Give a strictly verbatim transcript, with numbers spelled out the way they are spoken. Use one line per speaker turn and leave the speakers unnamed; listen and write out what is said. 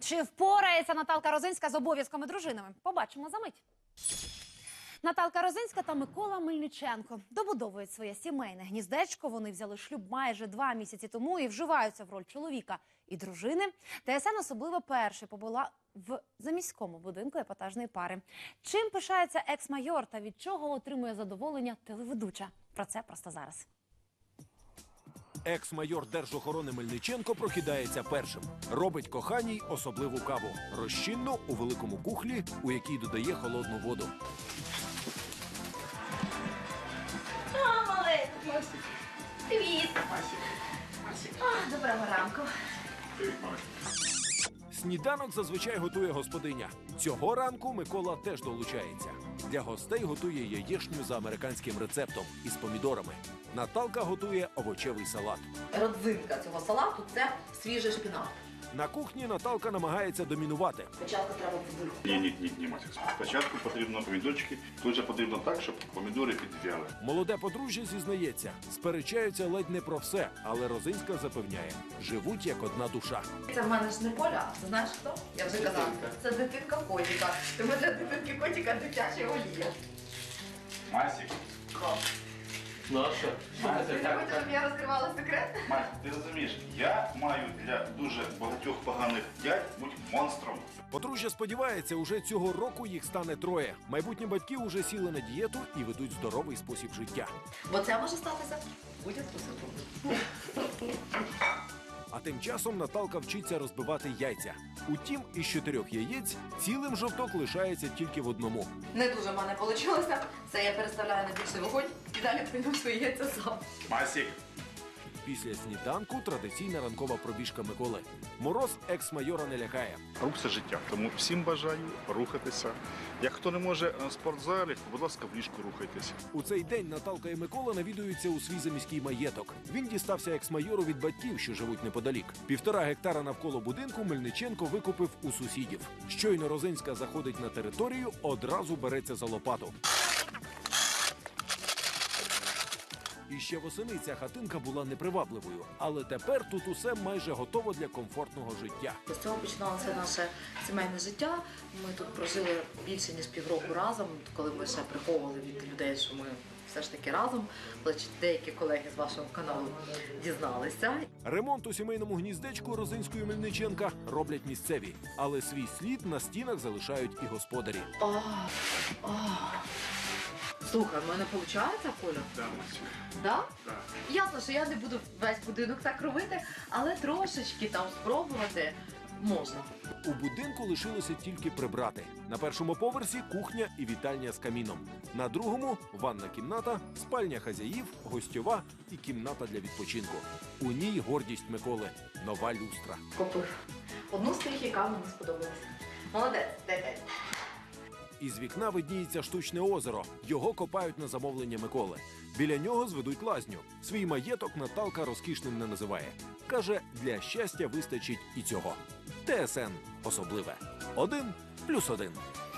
Чи впорається Наталка Розинська з обов'язками дружинами? Побачимо за мить. Наталка Розинська та Микола Мельниченко добудовують своє сімейне гніздечко. Вони взяли шлюб майже два місяці тому і вживаються в роль чоловіка і дружини. ТСН особливо перший побула в заміському будинку епатажної пари. Чим пишається екс-майор та від чого отримує задоволення телеведуча? Про це просто зараз.
Екс-майор Держохорони Мельниченко прокидається першим. Робить коханій особливу каву. Розчинну у великому кухлі, у якій додає холодну воду.
А, маленький. Привіт. А, доброго ранку.
Сніданок зазвичай готує господиня. Цього ранку Микола теж долучається. Для гостей готує яєчню за американським рецептом із помідорами. Наталка готує овочевий салат.
Родзинка цього салату – це свіжий шпінат.
На кухні Наталка намагається домінувати.
Спочатку треба цибульку.
Ні, ні, ні, ні, Масік. Спочатку потрібно помідорчики, тут же потрібно так, щоб помідори підв'яли.
Молоде подружжя зізнається, сперечаються ледь не про все, але Розинська запевняє, живуть як одна душа.
Це в мене ж не Коля, це знаєш хто? Я вже казала. Це дитинка котика. Тому для дитинки котика дитяча олія.
Масік.
Наша.
Ти не хочеш, щоб я розкривала секрет?
Масік, ти розумієш, я маю для дуже багатьох поганих дядь бути монстром.
Подружжя сподівається, уже цього року їх стане троє. Майбутні батьки уже сіли на дієту і ведуть здоровий спосіб життя.
Бо це може статися будь-яку секунду.
А тим часом Наталка вчиться розбивати яйця. Утім, із чотирьох яєць цілим жовток лишається тільки в одному.
Не дуже в мене вийшло. Це я переставляю на більший вогонь і далі прийду свої яйця сам.
Масік.
Після сніданку традиційна ранкова пробіжка Миколи. Мороз екс-майора не лякає.
Рух – це життя, тому всім бажаю рухатися. Як хто не може в спортзалі, будь ласка, в ліжку рухайтеся.
У цей день Наталка і Микола навідуються у свій заміський маєток. Він дістався екс-майору від батьків, що живуть неподалік. Півтора гектара навколо будинку Мельниченко викупив у сусідів. Щойно Розинська заходить на територію, одразу береться за лопату. І ще восени ця хатинка була непривабливою. Але тепер тут усе майже готово для комфортного життя.
З цього починалося наше сімейне життя. Ми тут прожили більше, ніж півроку разом, коли ми ще приховували від людей, що ми все ж таки разом. Але деякі колеги з вашого каналу дізналися.
Ремонт у сімейному гніздечку Розинської Мельниченка роблять місцеві. Але свій слід на стінах залишають і господарі.
О, о. Слухай, в мене виходить, Коля?
Да, Масік.
Да?
Да.
Ясно, що я не буду весь будинок так робити, але трошечки там спробувати можна.
У будинку лишилося тільки прибрати. На першому поверсі кухня і вітальня з каміном. На другому ванна кімната, спальня хазяїв, гостьова і кімната для відпочинку. У ній гордість Миколи – нова люстра.
Купив. Одну з тих, яка мені сподобалася. Молодець, дай дай.
Із вікна видніється штучне озеро. Його копають на замовлення Миколи. Біля нього зведуть лазню. Свій маєток Наталка розкішним не називає. Каже, для щастя вистачить і цього. ТСН особливе. Один плюс один.